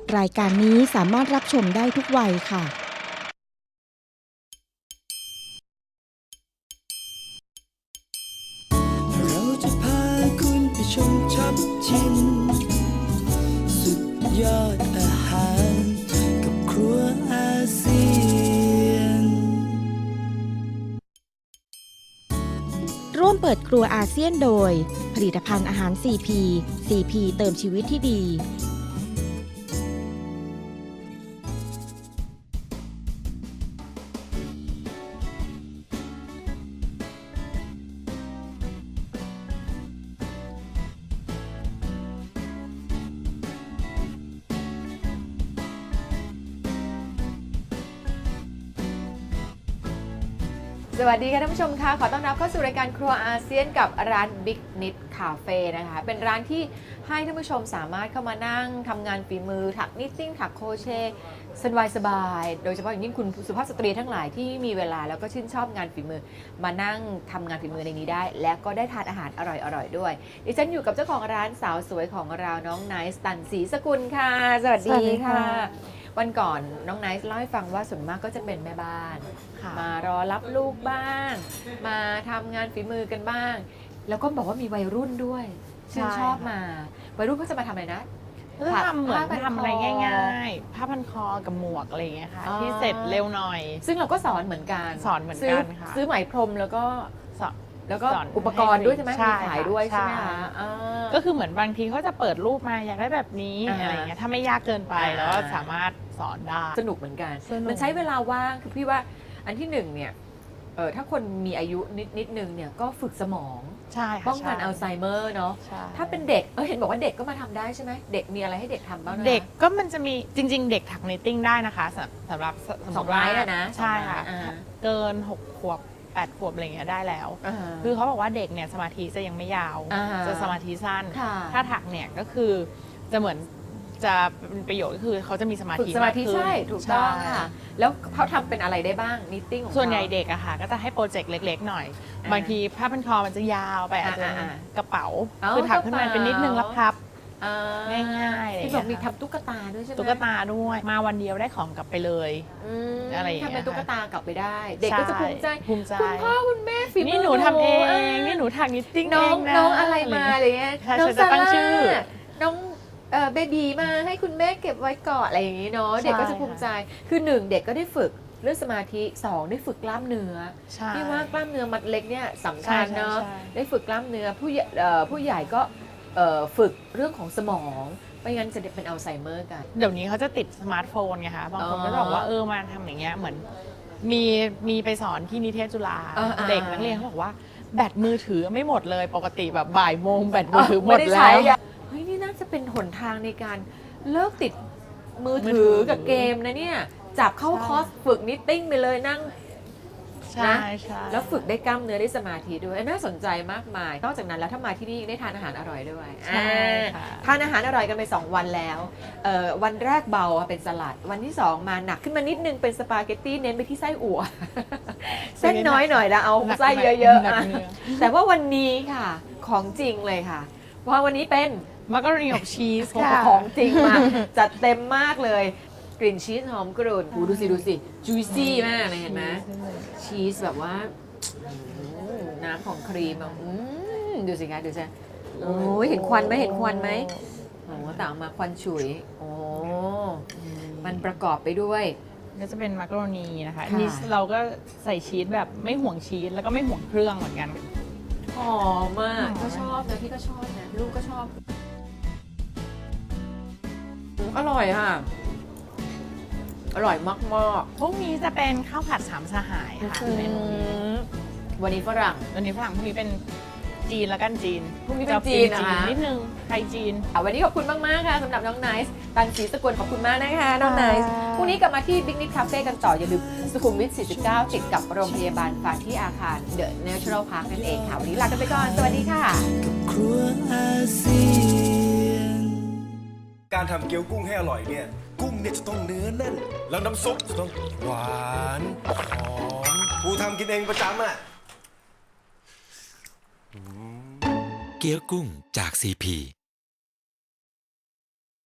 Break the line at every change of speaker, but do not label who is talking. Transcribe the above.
รายการนี้สามารถรับชมได้ทุกวัยค่ะ
เราจะพาคุณไปชมช็อปชิมสุดยอดอาหารกับครัวอาเซียน
ร่วมเปิดครัวอาเซียนโดยผลิตภัณฑ์อาหาร CP CP เติมชีวิตที่ดี
สวัสดีค่ะท่านผู้ชมค่ะขอต้อนรับเข้าสู่รายการครัวอาเซียนกับร้าน Big Knit Cafe นะคะเป็นร้านที่ให้ท่านผู้ชมสามารถเข้ามานั่งทำงานฝีมือถักนิตติ้งถักโครเชต์สบายๆโดยเฉพาะอย่างยิ่งคุณสุภาพสตรีทั้งหลายที่มีเวลาแล้วก็ชื่นชอบงานฝีมือมานั่งทำงานฝีมือในนี้ได้ และก็ได้ทานอาหารอร่อยๆด้วยดิฉันอยู่กับเจ้าของร้านสาวสวยของเราน้องไนซ์ตันศรีสกุลค่ะสวัสดีค่ะวันก่อนน้องไนซ์เล่าให้ฟังว่าส่วนมากก็จะเป็นแม่บ้านมารอรับลูกบ้าง มาทำงานฝีมือกันบ้าง แล้วก็บอกว่ามีวัยรุ่นด้วยชื่นชอบมาวัยรุ่นก็จะมาทำอะไรนะ
ก็ทำเหมือน
ผ้าพันคอ
ทำอะไรง่ายๆผ้าพันคอกับหมวกอะไรอย่างเงี้ยค่ะ
อ๋อ
ที่เสร็จเร็วหน่อย
ซึ่งเราก็สอนเหมือนกัน
สอนเหมือนกันค่ะ
ซื้อไหมพรมแล้วก็
สอน
แล้วก็
สอน
อุปกรณ์ด้วยใช่ไหม
ใช่
มีขายด้วยใช่ไหม
ใช่
คะอ่า
ก็คือเหมือนบางทีเขาจะเปิดรูปมาอยากได้แบบนี้
อ่า
อะไรอย่างเงี้ยถ้าไม่ยากเกินไป
อ่า
แล้วก็สามารถสอนได้
สนุกเหมือนกัน
สนุก
มันใช้เวลาว่างคือพี่ว่าอันที่หนึ่งเนี่ยถ้าคนมีอายุนิดนึงเนี่ยก็ฝึกสมอง
ใช่ค่ะ
ป้องกัน
ใช่
อัลไซเมอร์เนาะ
ใช่
ถ้าเป็นเด็กเห็นบอกว่าเด็กก็มาทำได้ใช่ไหมเด็กมีอะไรให้เด็กทำบ้างนะ
เด็กก็มันจะมีจริง ๆ เด็กถักนิตติ้งได้นะคะสำหรับ
สอง
มติว่า
ไม้อะนะ
ใช่ค่ะ
อ่า
เกิน6 ขวบ 8 ขวบอะไรอย่างเงี้ยได้แล้ว
อ่า
คือเขาบอกว่าเด็กเนี่ยสมาธิจะยังไม่ยาว
อ่า
จะสมาธิสั้น
ค่ะ
ถ้าถักเนี่ยก็คือจะเหมือนจะเป็นประโยชน์ก็คือเขาจะมีสมา
ฝึก
ธิ
สมาธิ
กขึ้น
ใช่ถูกต้อง
ใช่
ค่ะ แล้วเขาทำเป็นอะไรได้บ้างนิตติ้งของ
ส่วนใหญ่
เขา
เด็กอะค่ะก็จะให้โปรเจกต์เล็กๆหน่อย
อ่า
บางทีผ้าพันคอมันจะยาวไปอาจจะ
อ่า
กระเป๋า
เอา
คือถักขึ้นมาก
ระเป๋า
เป็นนิดนึงแล้วพับ
อ่า
ง่ายๆอะไรอย่าง
ที่
เงี้
บอก
ย
มี
ค่ะ
ทำตุ๊กตาด้วยใช่ไหม
ตุ๊กตาด้วยมาวันเดียวได้ของกลับไปเลย
ม
อะไรอย่างเงี้ย
ทำเป็นตุ๊กตากลับไปได้ เด็กก็จะภูมิใจ
ภูมิใจ
คุณพ่อคุณแม่ฝีมือ
นี่หนูทำเอง
อ่า
นี่หนูถักนิตติ้ง
น้
เอ
อง
งนะ
น้องอะไรมาอะไรเงี้ย
ใช่
น้อง
ฉันจะตั้งชื่อ
น้องเบบีมาให้คุณแม่เก็บไว้ก่อนอะไรอย่างงี้เนาะเด็กก็จะภูมิใจคือหนึ่งเด็กก็ได้ฝึกเรื่องสมาธิสองได้ฝึกกล้ามเนื้อ
ใช่
พี่ว่ากล้ามเนื้อมัดเล็กเนี่ยสำคัญเนาะ
ใช่
ได้ฝึกกล้ามเนื้อผู้ใหญ่ก็ฝึกเรื่องของสมองไม่งั้นจะเป็นอัลไซเมอร์กัน
เดี๋ยวนี้เขาจะติดสมาร์ทโฟนไงคะบางคนก็จะบอกว่ามาทำอย่างเงี้ยเหมือนมีไปสอนที่นิเทศจุฬา
อ่า
เด็กนักเรียนเขาบอกว่าแบตมือถือไม่หมดเลยปกติแบบบ่ายโมงแบตมือถือหมด
ไไ
แล้
ใช้
ว
อะเฮ้ยนี่น่าจะเป็นหนทางในการเลิกติดมือถือกับเกมนะเนี่ยจับเข้า
ใช่
คอร์สฝึกนิตติ้งไปเลยนั่ง
ใช่ใช่
แล้วฝึกได้กล้ามเนื้อได้สมาธิด้วยน่าสนใจมากมาย นอกจากนั้นแล้วถ้ามาที่นี่ยังได้ทานอาหารอร่อยด้วย
ใช่ค่ะ
ทานอาหารอร่อยกันไป 2 วันแล้ววันแรกเบาเป็นสลัด วันที่ 2 มาหนักขึ้นมานิดนึงเป็นสปาเกตตี้เน้นไปที่ไส้อั่ว เส้นน้อยหน่อยแล้วเอาไส้เยอะๆ
หนัก
อ่ะ
เนื้อ
แต่ว่าวันนี้ค่ะของจริงเลยค่ะ เพราะวันนี้เป็น
มักกะโรนีอบชีสค่ะ
ของจริงมาจัดเต็มมากเลย กลิ่นชีสหอมกรุ่นดูสิจุยซี่มากเลยเห็นไหมชีสแบบว่าน้ำของครีมอ่ะดูสิคะดูสิโอ้ยเห็นควันไหมโอ้ต่างมาควันฉุยโอ้มันประกอบไปด้วย
ก็จะเป็นมักกะโรนีนะคะ
ค่ะ
นี่เราก็ใส่ชีสแบบไม่ห่วงชีสแล้วก็ไม่ห่วงเครื่องเหมือนกัน
หอมมากก็ชอบนะพี่ก็ชอบนะลูกก็ชอบอร่อยค่ะอร่อยมากๆ
พรุ่งนี้จะเป็นข้าวผัดสามสหายค่ะเมนูนี้
วันนี้ฝรั่ง
วันนี้ฝรั่งพรุ่งนี้เป็นจีนแล้วกันจีน
พรุ่งนี้เป็นจีนนะคะ
นิดนึงไทยจีน
วันนี้ขอบคุณมาก ๆ ค่ะสำหรับน้องไนซ์ตันศรีสกุลขอบคุณมากนะคะน้องไนซ์พรุ่งนี้กลับมาที่ Big Knit Cafe กันต่อ อย่าลืมสุขุมวิท 49 ติดกับโรงพยาบาลฟ้าที่อาคาร The Natural Park นั่นเองค่ะ วันนี้ลากันไปก่อน สวัสดีค่ะ
ครัวอาเซียน
การทำเกี๊ยวกุ้งให้อร่อยเนี่ย กุ้งเนี่ยจะต้องเนื้อแน่น แล้วน้ำซุปจะต้องหวานหอมกูทำกินเองประจำอ่ะ
เกี๊ยวกุ้งจาก CP